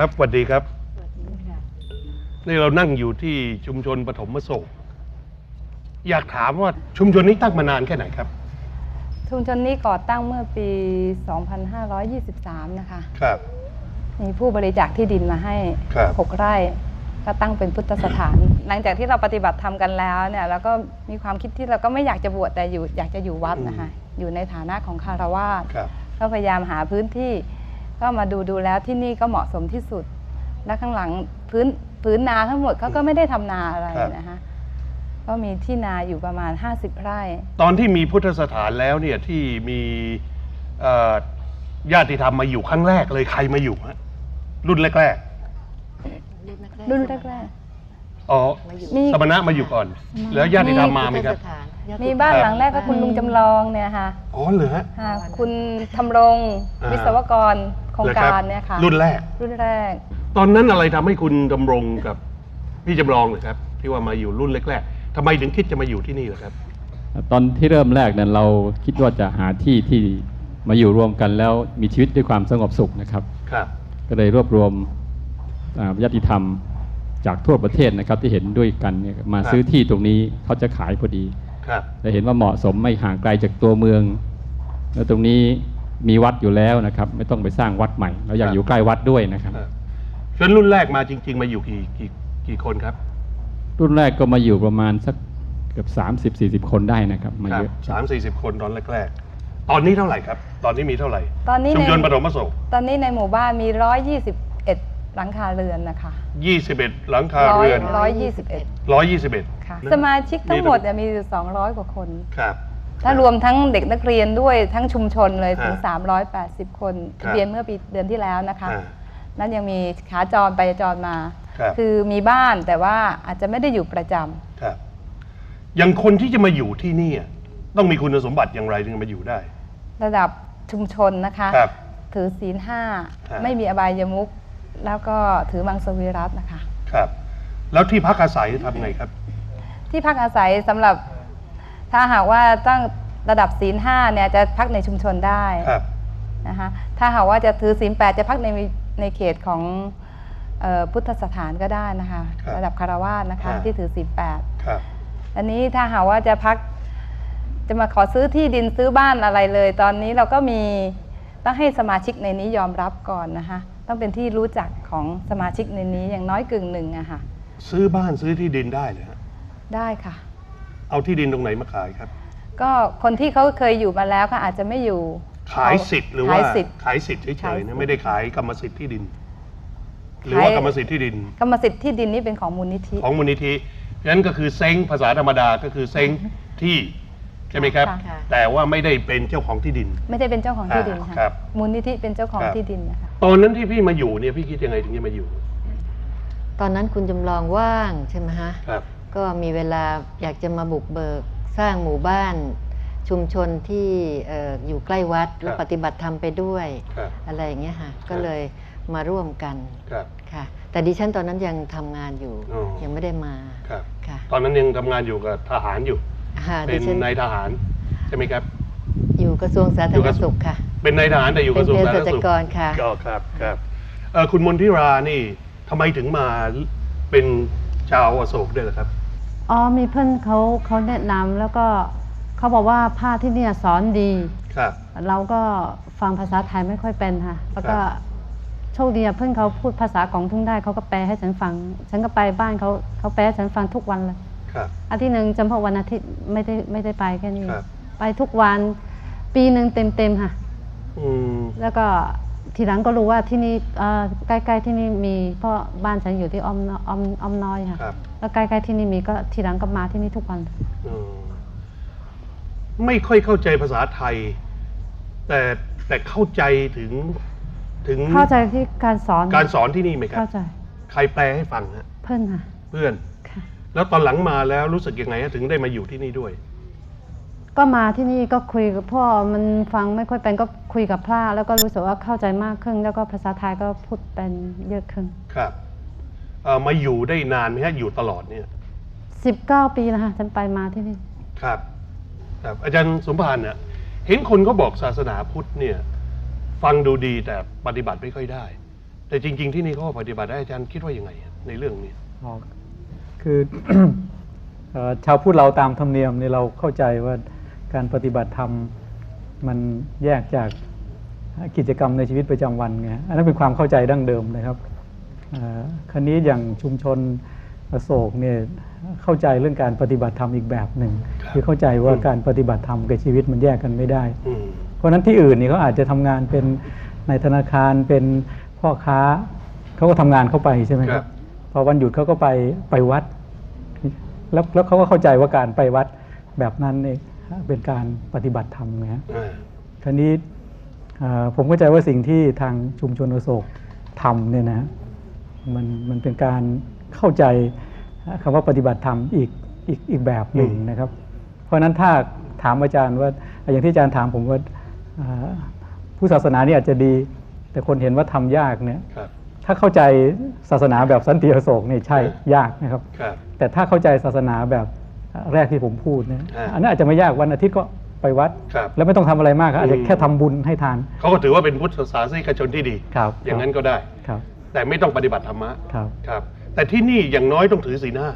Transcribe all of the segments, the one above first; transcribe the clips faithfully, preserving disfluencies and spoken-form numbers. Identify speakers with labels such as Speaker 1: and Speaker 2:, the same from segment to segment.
Speaker 1: ครับสวัสดีครับนี่เรานั่งอยู่ที่ชุมชนปฐมโศกอยากถามว่าชุมชนนี้ตั้งมานานแค่ไหนครับ
Speaker 2: ชุมชนนี้ก่อตั้งเมื่อปี สองพันห้าร้อยยี่สิบสาม นะคะครับมีผู้บริจาคที่ดินมาให้หกไร่ก็ตั้งเป็นพุทธสถานหลังจากที่เราปฏิบัติธรรมกันแล้วเนี่ยเราก็มีความคิดที่เราก็ไม่อยากจะบวชแต่อยู่อยากจะอยู่วัดนะคะอยู่ในฐานะของคารวาสก็พยายามหาพื้นที่ก็มาดูดูแล้วที่นี่ก็เหมาะสมที่สุดและข้างหลังพื้นพื้นนาทั้งหมดเขาก็ไม่ได้ทำนาอะไรนะคะก็มีที่นาอยู่ประมาณห้าสิบไร่
Speaker 1: ตอนที่มีพุทธสถานแล้วเนี่ยที่มีญาติธรรมมาอยู่ครั้งแรกเลยใครมาอยู่ฮะรุ่นแรก
Speaker 2: ๆรุ่นแรก
Speaker 1: ๆอ๋อสมณะมาอยู่ก่อนแล้วญาติธรรมมาไหมครับ
Speaker 2: มีบ้านหลังแรกก็คุณลุงจำลองเนี่ยค่ะ
Speaker 1: อ๋อเหรอฮะ
Speaker 2: คุณธำรงวิศวกรโครงการเนี่ยค่ะ
Speaker 1: รุ่นแรก
Speaker 2: รุ่นแรก
Speaker 1: ตอนนั้นอะไรทำให้คุณดำรงกับพี่จำลองเลยครับที่ว่ามาอยู่รุ่นแรกๆทำไมถึงคิดจะมาอยู่ที่นี่ล่ะครับ
Speaker 3: ตอนที่เริ่มแรกนั้นเราคิดว่าจะหาที่ที่มาอยู่รวมกันแล้วมีชีวิตด้วยความสงบสุขนะครับครับก็เลยรวบรวมญาติธรรมจากทั่วประเทศนะครับที่เห็นด้วยกันเนี่ยมาซื้อที่ตรงนี้เขาจะขายพอดีครับแต่เห็นว่าเหมาะสมไม่ห่างไกลจากตัวเมืองแล้วตรงนี้มีวัดอยู่แล้วนะครับไม่ต้องไปสร้างวัดใหม่เราอยากอยู่ใกล้วัดด้วยนะครับ
Speaker 1: จนรุ่นแรกมาจริงๆมาอยู่กี่กี่กี่คนครับ
Speaker 3: รุ่นแรกก็มาอยู่ประมาณสักเกือบสามสิบสี่สิบคนได้นะครับมาเยอะ
Speaker 1: สามสี่สิบคนตอนแรกๆตอนนี้เท่าไหร่ครับตอนนี้มีเท่าไหร่
Speaker 2: ตอนนี้
Speaker 1: ชุมชนปฐมโศก
Speaker 2: ตอนนี้ในหมู่บ้านมีร้อยยี่สิบเอ็ดหลังคาเรือนนะคะ
Speaker 1: ยี่สิบเอ็ดหลังคาเรือน
Speaker 2: ร้อยยี่สิบเอ็ด
Speaker 1: ร้อยยี่สิบเอ็ด
Speaker 2: ค่ะสมาชิกทั้งหมดมีอยู่สองร้อยกว่าคน
Speaker 1: ครับ
Speaker 2: ถ้ารวมทั้งเด็กนักเรียนด้วยทั้งชุมชนเลยถึงสามร้อยแปดสิบคนเรียนเมื่อปีเดือนที่แล้วนะคะนั้นยังมีขาจรไปจรมาคือมีบ้านแต่ว่าอาจจะไม่ได้อยู่ประจำ
Speaker 1: ครับอย่างคนที่จะมาอยู่ที่นี่ต้องมีคุณสมบัติอย่างไรถึงมาอยู่ได้
Speaker 2: ระดับชุมชนนะคะถือศีลห้าไม่มีอบายมุขแล้วก็ถือมังสวิรัตินะคะ
Speaker 1: ครับแล้วที่พักอาศัยทำไงครับ
Speaker 2: ที่พักอาศัยสำหรับถ้าหากว่าตั้งระดับศีลห้าเนี่ยจะพักในชุมชนได้นะคะถ้าหากว่าจะถือศีลแปดจะพักในในเขตของพุทธสถานก็ได้นะคะระดับคารวาสนะคะที่ถือศีลแปดอันนี้ถ้าหากว่าจะพักจะมาขอซื้อที่ดินซื้อบ้านอะไรเลยตอนนี้เราก็มีต้องให้สมาชิกในนี้ยอมรับก่อนนะคะต้องเป็นที่รู้จักของสมาชิกในนี้อย่างน้อยกึ่งหนึ่งอะค่ะ
Speaker 1: ซื้อบ้านซื้อที่ดินได้เลย
Speaker 2: ได้ค่ะ
Speaker 1: เอาที่ดินตรงไหนมาขายครับ
Speaker 2: ก็คนที่เขาเคยอยู่มาแล้วก็อาจจะไม่อยู่
Speaker 1: ขายสิทธิ์หรือว่าขายสิทธิ์เฉยๆนะไม่ได้ขายกรรมสิทธิ์ที่ดินหรือว่ากรรมสิทธิ์ที่ดิน
Speaker 2: กรรมสิทธิ์ที่ดินนี่เป็นของมูลนิธิ
Speaker 1: ของมูลนิธินั้นก็คือเซ้งภาษาธรรมดาก็คือเซ้งที่ใช่ไหมครับแต่ว่าไม่ได้เป็นเจ้าของที่ดิน
Speaker 2: ไม่ได้เป็นเจ้าของที่ดินค่ะมูลนิธิเป็นเจ้าของที่ดินนะคะ
Speaker 1: ตอนนั้นที่พี่มาอยู่เนี่ยพี่คิดยังไงถึงจะมาอยู่
Speaker 4: ตอนนั้นคุณจำลองว่างใช่ไหมฮะก็มีเวลาอยากจะมาบุกเบิกสร้างหมู่บ้านชุมชนที่อยู่ใกล้วัดและปฏิบัติธรรมไปด้วยอะไรอย่างเงี้ยค่ะก็เลยมาร่วมกันค่ะแต่ดิฉันตอนนั้นยังทำงานอยู่ยังไม่ได้มา
Speaker 1: ค่ะตอนนั้นยังทำงานอยู่กับทหารอยู่เป็นนายทหารใช่ไหมครับ
Speaker 4: อยู่กระทรวงสาธารณสุขค่ะ
Speaker 1: เป็นนายทหารแต่อยู่กระทรวงสาธารณสุข
Speaker 4: เป็นเภสัชกรค่ะ
Speaker 1: ก็ครับครับคุณมนทิรานี่ทำไมถึงมาเป็นชาวอโศกด้วยล่ะครับ
Speaker 5: อ๋อมีเพื่อนเขาเขาแนะนำแล้วก็เขาบอกว่าผ้าที่นี่สอนดีครับเราก็ฟังภาษาไทยไม่ค่อยเป็นค่ะแล้วก็โชคดีเพื่อนเขาพูดภาษากองทุ่งได้เขาก็แปลให้ฉันฟังฉันก็ไปบ้านเขาเขาแปลให้ฉันฟังทุกวันเลยอาทิตย์หนึ่งจำเพาะวันอาทิตย์ไม่ได้ไม่ได้ไปแค่นี้ไปทุกวันปีหนึ่งเต็มเต็มค่ะแล้วก็ทีหลังก็รู้ว่าที่นี่ใกล้ๆที่นี่มีเพราะบ้านฉันอยู่ที่อ้อมอ้อมอ้อมน้อยค่ะแล้วใกล้ๆที่นี่มีก็ทีหลังก็มาที่นี่ทุกวัน
Speaker 1: ไม่ค่อยเข้าใจภาษาไทยแต่แต่เข้าใจถึงถึง
Speaker 5: เข้าใจที่การสอน
Speaker 1: การสอนที่นี่ไหมครับ
Speaker 5: เข้าใจ
Speaker 1: ใครแปลให้ฟังฮะ
Speaker 5: เพื่อนค่ะ
Speaker 1: เพื่อนแล้วตอนหลังมาแล้วรู้สึกยังไงถึงได้มาอยู่ที่นี่ด้วย
Speaker 5: ก็มาที่นี่ก็คุยกับพ่อมันฟังไม่ค่อยเป็นก็คุยกับพระแล้วก็รู้สึกว่าเข้าใจมากขึ้นแล้วก็ภาษาไทยก็พูดเป็นเยอะขึ้น
Speaker 1: ครับมาอยู่ได้นานไหมฮะอยู่ตลอดเนี่ย
Speaker 5: สิบเก้าปีนะคะฉันไปมาที่นี่
Speaker 1: ครับครับอาจารย์สมภารเนี่ยเห็นคนเขาบอกศาสนาพุทธเนี่ยฟังดูดีแต่ปฏิบัติไม่ค่อยได้แต่แต่จริง ๆ ที่นี่เขาปฏิบัติได้อาจารย์คิดว่ายังไงในเรื่องนี้
Speaker 6: อ๋อคือ ชาวพุทธเราตามธรรมเนียมเนี่ยเราเข้าใจว่าการปฏิบัติธรรมมันแยกจากกิจกรรมในชีวิตประจำวันไงอันนั้นเป็นความเข้าใจดั้งเดิมนะครับคราวนี้อย่างชุมชนอโศกเนี่ยเข้าใจเรื่องการปฏิบัติธรรมอีกแบบหนึ่งคือเข้าใจว่าการปฏิบัติธรรมกับชีวิตมันแยกกันไม่ได้เพราะฉะนั้นที่อื่นนี่เขาอาจจะทำงานเป็นในธนาคารเป็นพ่อค้าเขาก็ทำงานเข้าไปใช่ไหมครับพอวันหยุดเขาก็ไปไปวัดแล้วแล้วเขาก็เข้าใจว่าการไปวัดแบบนั้นเนี่ยเป็นการปฏิบัติธรรมนะคราวนี้ผมเข้าใจว่าสิ่งที่ทางชุมชนอโศกทำเนี่ยนะมันมันเป็นการเข้าใจคำว่าปฏิบัติธรรมอีกอีกอีกแบบหนึ่งนะครับเพราะฉะนั้นถ้าถามอาจารย์ว่าอย่างที่อาจารย์ถามผมว่าผู้ศาสนานี่อาจจะดีแต่คนเห็นว่าทำยากเนี่ยถ้าเข้าใจศาสนาแบบสันติอโศกนี่ใช่ยากนะครับแต่ถ้าเข้าใจศาสนาแบบแรกที่ผมพูดเนี่ยอันนั้นอาจจะไม่ยากวันอาทิตย์ก็ไปวัดแล้วไม่ต้องทำอะไรมากครับอาจจะแค่ทำบุญให้ทาน
Speaker 1: เขาก็ถือว่าเป็นพุทธศาสนิกชนที่ดีอย่างนั้นก็ได้แต่ไม่ต้องปฏิบัติธรรมะครับแต่ที่นี่อย่างน้อยต้องถือศีลห้า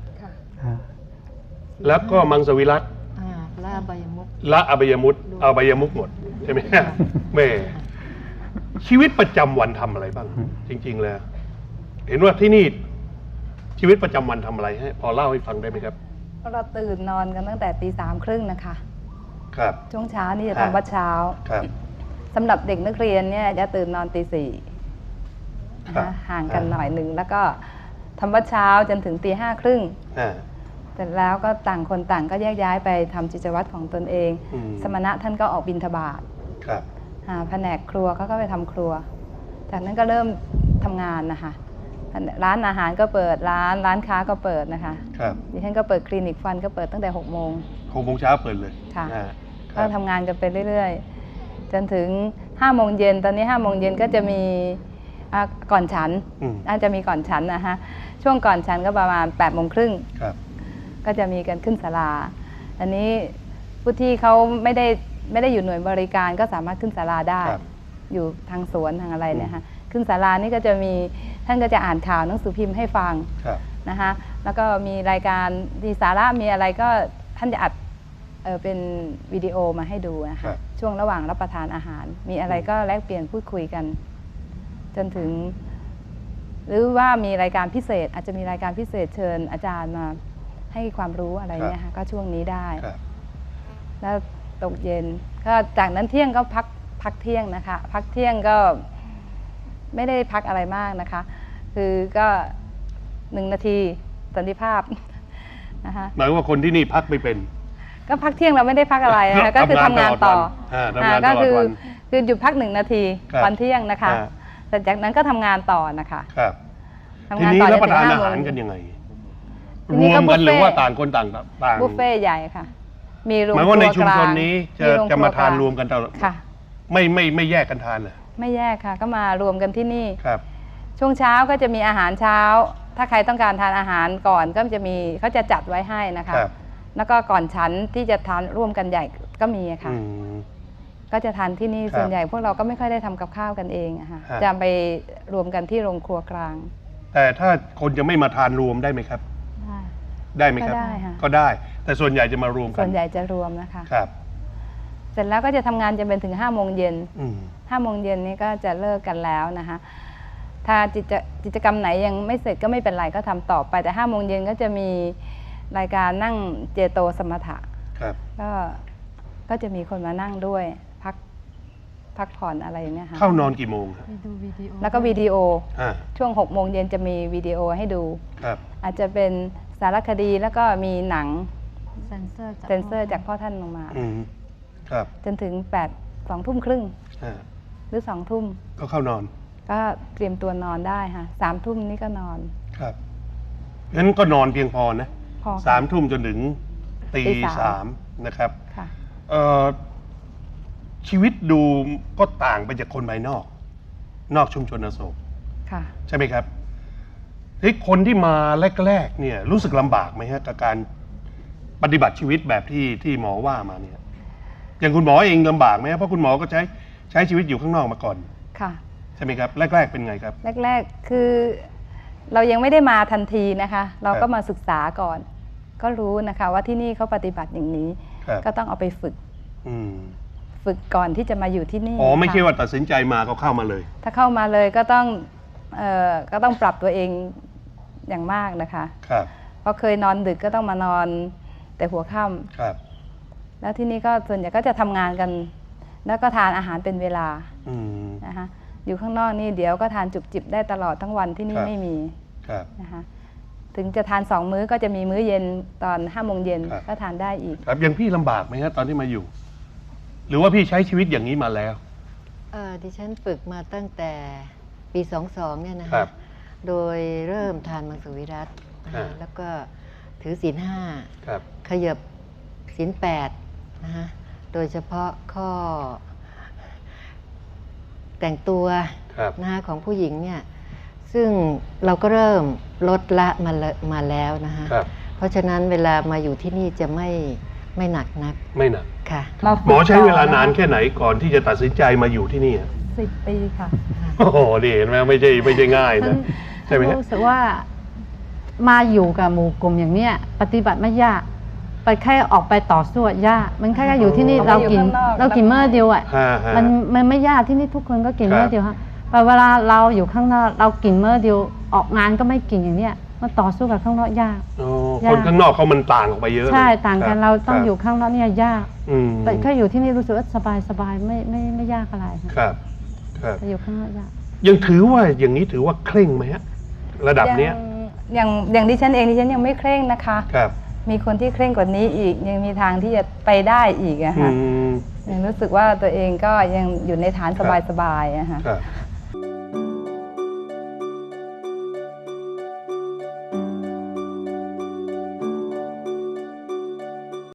Speaker 1: แล้วก็มังสวิรัติ
Speaker 4: ละอบายมุข
Speaker 1: ละอบายมุขเอาอบายมุขหมดใช่ไหมแม่ชีวิตประจำวันทำอะไรบ้างจริงๆแล้วเห็นว่าที่นี่ชีวิตประจำวันทำอะไรให้พอเล่าให้ฟังได้ไหมครับ
Speaker 2: เราตื่นนอนกันตั้งแต่ตีสามครึ่งนะคะ
Speaker 1: ครับ
Speaker 2: ช่วงเช้านี่จะทำวัดเช้าครับสำหรับเด็กนักเรียนเนี่ยจะตื่นนอนตีสี่ห่างกันหน่อยหนึ่งแล้วก็ทำวัดเช้าจนถึงตีห้าครึ่งเสร็จแล้วก็ต่างคนต่างก็แยกย้ายไปทำกิจวัตรของตนเองสมณะท่านก็ออกบิณฑบาตแผนกครัวเขาก็ไปทำครัวจากนั้นก็เริ่มทำงานนะคะร้านอาหารก็เปิดร้านร้านค้าก็เปิดนะคะดิฉันก็เปิดคลินิกฟันก็เปิดตั้งแต่หกโมง
Speaker 1: หกโมงเช้าเปิดเลย
Speaker 2: ค่ะก็ทำงานกันไปเรื่อยๆจนถึงห้าโมงเย็นตอนนี้ห้าโมงเย็นก็จะมีก่อนฉันอาจจะมีก่อนฉันนะคะช่วงก่อนฉันก็ประมาณแปดโมงครึ่งก็จะมีกันขึ้นศาลาอันนี้ผู้ที่เขาไม่ได้ไม่ได้อยู่หน่วยบริการก็สามารถขึ้นศาลาได้อยู่ทางสวนทางอะไรเนี่ยค่ะขึ้นศาลานี่ก็จะมีท่านก็จะอ่านข่าวหนังสือพิมพ์ให้ฟังนะคะแล้วก็มีรายการมีสาระมีอะไรก็ท่านจะอัดเออเป็นวิดีโอมาให้ดูนะคะช่วงระหว่างรับประทานอาหารมีอะไรก็แลกเปลี่ยนพูดคุยกันจนถึงหรือว่ามีรายการพิเศษอาจจะมีรายการพิเศษเชิญอาจารย์มาให้ความรู้อะไรเนี่ยค่ะก็ช่วงนี้ได้แล้วตกเย็นก็จากนั้นเที่ยงก็พักพักเที่ยงนะคะพักเที่ยงก็ไม่ได้พักอะไรมากนะคะคือก็หนึ่งนาทีสันติภาพนะคะ
Speaker 1: หมายว่าคนที่นี่พักไม่เป็น
Speaker 2: ก็พักเที่ยงเราไม่ได้พักอะไรนะคะก็คือทำงานต่อก็คือคือหยุดพักหนึ่งนาทีตอนเที่ยงนะคะแต่จากนั้นก็ทำงานต่อนะคะ
Speaker 1: ทีนี้รับประทานอาหารกันยังไงรวมกันหรือว่าต่างคนต่างต่าง
Speaker 2: บุฟเฟ่ใหญ่ค่ะมีรวม
Speaker 1: หมายว่าในชุมชนนี้จะจะมาทานรวมกันตลอด
Speaker 2: ค่ะ
Speaker 1: ไม่ไม่ไม่แยกกันทานเลย
Speaker 2: ไม่แยกค่ะก็มารวมกันที่นี่ครับช่วงเช้าก็จะมีอาหารเช้าถ้าใครต้องการทานอาหารก่อนก็จะมีเขาจะจัดไว้ให้นะคะแล้วก็ก่อนฉันที่จะทานร่วมกันใหญ่ก็มีค่ะก็จะทานที่นี่ส่วนใหญ่พวกเราก็ไม่ค่อยได้ทำกับข้าวกันเองอะค่ะจะไปรวมกันที่โรงครัวกลาง
Speaker 1: แต่ถ้าคนจะไม่มาทานรวมได้ไหมครับได้ได้ไหมครับ
Speaker 2: ก็ได้ค่ะ
Speaker 1: ก็ได้แต่ส่วนใหญ่จะมารวมกัน
Speaker 2: ส่วนใหญ่จะรวมนะคะครับเสร็จแล้วก็จะทำงานจนเป็นถึงห้าโมงเย็นห้าโมงเย็นนี้ก็จะเลิกกันแล้วนะคะถ้ากิจกิจกรรมไหนยังไม่เสร็จก็ไม่เป็นไรก็ทำต่อไปแต่ห้าโมงเย็นก็จะมีรายการนั่งเจโตสมถะก็ก็จะมีคนมานั่งด้วยพักพักผ่อนอะไรอย่างเงี้ยค่ะ
Speaker 1: เข้านอนกี่โมง
Speaker 2: แล้วก็วิดีโอช่วงหกโมงเย็นจะมีวิดีโอให้ดูอาจจะเป็นสารคดีแล้วก็มีหนังเซนเซอร์เซนเซอร์จากพ่อท่านลงมาจนถึงแปดสองทุ่มครึ่งหรือสองทุ่ม
Speaker 1: ก็เข้านอน
Speaker 2: ก็เตรียมตัวนอนได้ค่ะสามทุ่มนี่ก็นอน
Speaker 1: ครับงั้นก็นอนเพียงพอนะสามทุ่มจนถึงตีสามนะครับชีวิตดูก็ต่างไปจากคนภายนอกนอกชุมชนอโศกใช่ไหมครับที่คนที่มาแรกๆเนี่ยรู้สึกลำบากไหมฮะกับการปฏิบัติชีวิตแบบที่ที่หมอว่ามาเนี่ยอย่างคุณหมอเองลำบากไหมเพราะคุณหมอก็ใช้ใช้ชีวิตอยู่ข้างนอกมาก่อน
Speaker 2: ค่ะ
Speaker 1: ใช่ไหมครับแรกๆเป็นไงครับ
Speaker 2: แรกๆคือเรายังไม่ได้มาทันทีนะคะเราก็มาศึกษาก่อน ก็รู้นะคะว่าที่นี่เขาปฏิบัติอย่างนี้ก็ต้องเอาไปฝึกฝึกก่อนที่จะมาอยู่ที่นี่
Speaker 1: อ๋อไม่ใช่ว่าตัดสินใจมาก็เข้ามาเลย
Speaker 2: ถ้าเข้ามาเลยก็ต้องเอ่อก็ต้องปรับตัวเองอย่างมากนะคะครับเพราะเคยนอนดึกก็ต้องมานอนแต่หัวค่ำครับแล้วที่นี่ก็ส่วนใหญ่ก็จะทำงานกันแล้วก็ทานอาหารเป็นเวลานะคะอยู่ข้างนอกนี่เดี๋ยวก็ทานจุบจิบได้ตลอดทั้งวันที่นี่ไม่มีนะคะถึงจะทานสองมื้อก็จะมีมื้อเย็นตอนห้าโมงเย็นก็ทานได้อีก
Speaker 1: ครับยังพี่ลำบากไหมครับตอนที่มาอยู่หรือว่าพี่ใช้ชีวิตอย่างนี้มาแล้ว
Speaker 4: เออดิฉันฝึกมาตั้งแต่ปีสองสองเนี่ยนะคะโดยเริ่มทานมังสวิรัติแล้วก็ถือศีลห้าขยับศีลแปดนะคะโดยเฉพาะข้อแต่งตัวนะคะของผู้หญิงเนี่ยซึ่งเราก็เริ่มลดละมามาแล้วนะคะเพราะฉะนั้นเวลามาอยู่ที่นี่จะไม่ไม่หนักนัก
Speaker 1: ไม่หนัก
Speaker 4: ค่ะ
Speaker 1: หมอใช้เวลานานแค่ไหนก่อนที่จะตัดสินใจมาอยู่ที่นี่
Speaker 2: สิบปีค่ะ
Speaker 1: โอ้โหดีเห็นไหมไม่ใช่ไม่ใช่ง่ายนะใช่ไหม
Speaker 5: รู้สึกว่ามาอยู่กับหมู่กลุ่มอย่างเนี้ยปฏิบัติไม่ยากไปแค่ออกไปต่อสู้ยากมันแค่อยู่ที่นี่เรากินเรากินเมื่อเดียวอ่ะมันมันไม่ยากที่นี่ทุกคนก็กินเมื่อเดียวฮะแต่เวลาเราอยู่ข้างนอกเรากินเมื่อเดียวออกงานก็ไม่กินอย่างเนี้ยมันต่อสู้กับข้างนอกยาก
Speaker 1: คนข้างนอกเขามันต่างออกไปเยอะ
Speaker 5: ใช่ต่างกันเราต้องอยู่ข้างนอกเนี่ยยากแต่แค่อยู่ที่นี่รู้สึกว่าสบายสบายไม่ไม่ไม่ยากอะไร
Speaker 1: ครับ
Speaker 5: แต่อยู่ข้างนอกยาก
Speaker 1: ยังถือว่าอย่างนี้ถือว่าเคร่งไหมฮะระดับเนี้ย
Speaker 2: อย่างอย่างดิฉันเองดิฉันยังไม่เคร่งนะคะครับมีคนที่เคร่งกว่านี้อีกยังมีทางที่จะไปได้อีกอะค่ะยังรู้สึกว่าตัวเองก็ยังอยู่ในฐานสบายๆอะค่ะ